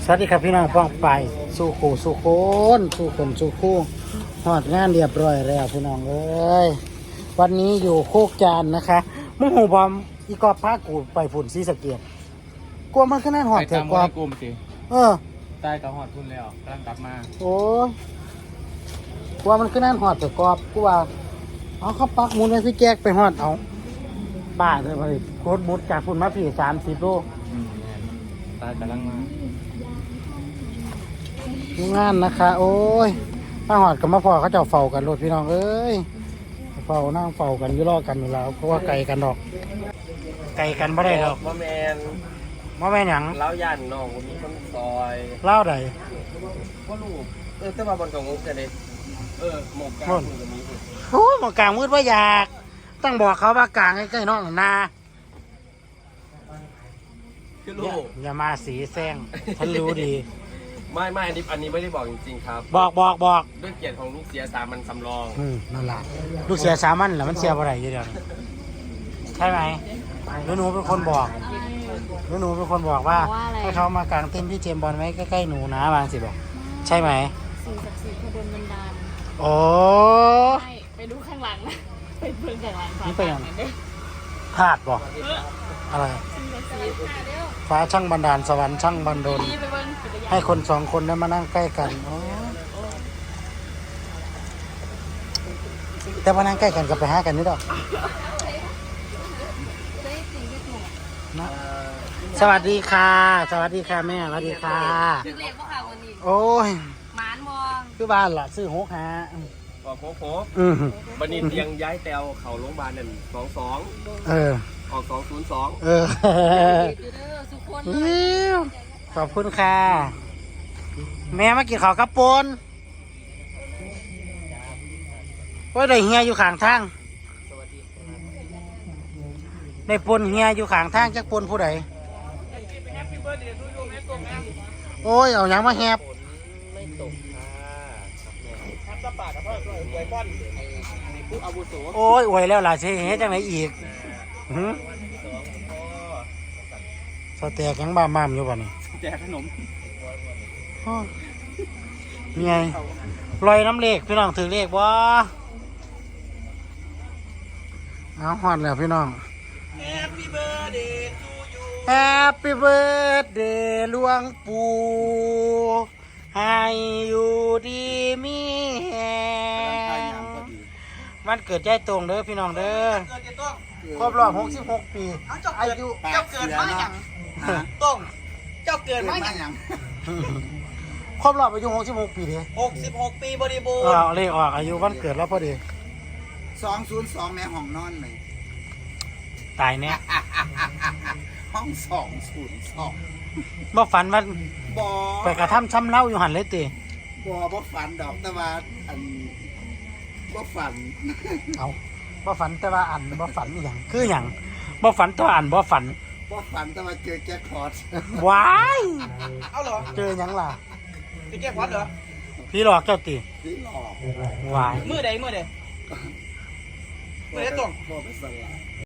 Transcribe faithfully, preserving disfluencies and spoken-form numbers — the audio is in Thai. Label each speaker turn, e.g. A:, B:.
A: สวัสดีครับพี่น้องป้องไปสู่ขู่สู่โคนสู่คนสู่คู่หอดงานเรียบร้อยแล้วพี่น้องเอ้ยวันนี้อยู่โคกจานนะคะมึงหูบอมอีกอบพากูไปฝุ่นซีสะเกียบกลัวมันขนาดหอด
B: ไป
A: เถอะ
B: ตาม
A: กว่า
B: กลุ่มสิ
A: เออ
B: ใต้กับหอดทุนแล้วกำลังกลับมา
A: โอ้ยกลัวมันขนาดหอดเถอะกอบกูว่าเอาเข้าปักหมุนไว้พี่แจ๊กไปหอดเอาบ้าเลยไปโคตรมุดจากฝุ่นมาผีสามสิบโล
B: อืมใต้กำลังมา
A: งานนะคะ โอ้ยมาหอดกับมาพอเขาเจ้าเฝ้ากันรถพี่น้องเอ้ยเฝ้านั่งเฝ้ากันอยู่รอกันอยู่แล้วเพราะว่าไกลกันดอก ไกลกันไม่ได้ดอก
C: ว่าแมน
A: มาแม่นหยัง
C: เล้าย่านน้องคนนี้คนซอย
A: เล่าใด
C: ว่าลูกเออแต่ว่าบนกองงกันเลยเออหมกกลางมือกับนี้
A: โอ้ยหมอกลางมืดว่าอยากต้องบอกเขาว่ากลางใกล้ๆน้องนา
C: คือ
A: อย่า
C: ลูก
A: อย่ามาสีแซงฉันรู้ดี
C: ไม่ไม่อันนี้อันนี้ไม่ได้บอกจริงๆครับ
A: บอกบอกบอก
C: ด้วยเกียรติของลูกเสียสามันสำรอง
A: อืมนั่นแหละลูกเสียสามันแหละมันเสียบ่ได้อยู่เดียวนี้ใช่ไหมหนูหนูเป็นคนบอกหนูหนูเป็นคนบอกว่าให้เขามากางเต้นที่เจมส์บอลไว้ใกล้ๆหนูนะบางสิบอกใช่ไหม
D: สิ่งศักดิ์สิทธิ์ขบวนบันดาล
A: โอ้
D: ไม่ไปดูข้างหลังนะไปเบิ่งข้างหลัง
A: นี่ไปยัง
D: เด้อ
A: พลาดบอกอะไร
D: สิ่งศักดิ์สิทธิ์ค่ะเด้อ
A: ฟ้าช่างบันดาลสวรรค์ช่างบันดล
D: นี่ไปเบิ่งกิจกรรม
A: ให้คนสองคนได้มานั่งใกล้กันโอ้แต่มานั่งใกล้กันก็ไปหากันนี่ดอกนะสวัสดีค่ะ สวัสดีค่ะแม่สวัสดีค่ะ
D: คือเล็กบ่ค่ะวันนี้
A: โอ้ย
D: หมานมอง
A: คือบ้านล่ะซื้อหกหา
C: พอโค้โค
A: อืม
C: บันนี้เตียงย้ายแตวเขาโรงพยาบาลนั่นสองสอง
A: เออ
C: ออกสองศูนย์สอง
A: เออ
D: อยู่เด้อสุขคนเลย
A: อิ๊วขอบคุณค่ะ แม่มากินข้าวกับปนว่าได้เฮียอยู่ข้างทางได้ปนเฮียอยู่ข้างทางจักปนผู้ใดโอ้ยเอาหยังมาแฮบ
C: ไม่ตกค่ะครับแม่ครับสปากับพ่อสวยบอลในผู้อาวุโส
A: โอ้ยอวยแล้วล่ะสิเฮ็ดจังไหนอีกหือ
C: สองพ่อ
A: สเต็กยังบ้ามามอยู่บ่นี่
C: แจกขนม
A: อ้อมีไงลอยน้ำเลขพี่น้องถือเลขบ่เอาฮอดแล้วพี่น้อง
C: Happy birthday to you
A: Happy birthday หลวงปู่ให้อยู่ดีมีแฮงวันเกิดใจตรงเด้อพี่น้องเด้อครบรอบหกสิบหกปีอายุ
E: เจ้าเกิดมาอย่างต้งเจ้าเกิดมาอย่าง
A: ครบรอบอายุหกสิบหกปีเด้
E: หกสิบหกปีบริบู
A: เอ
E: ร
A: อ
E: ณ์
A: เลขออกอายุวันเกิดแล้วพอดี
E: สองศูนย์สองแม่ห้องนอนไหม
A: ตายแน่
E: ห้องสองศูนย์สอง
A: บ่ฝันว่า
E: บอ
A: ไปกระทำช้ำเล่าอยู่หันเลยติ
E: บอบ่ฝันดอกแต่ว่าอันบ่ฝัน
A: เอาบ่ฝันแต่ว่าอันบ่ฝันอหย่างคืออย่างบ่ฝันตัวอันบ่ฝัน
E: บ่ฝันแต่ว่าเจอแจ็คพอต
A: ว้าย
E: เอาเหรอ
A: เจอหยังล่ะ
E: เจอแจ็คพอตเหรอ
A: พี่หลอกเจ้าติ
E: พี่หลอก
A: ว้าย
E: มือใดมือใดมือใดต้ง
A: บ่ไปสลาย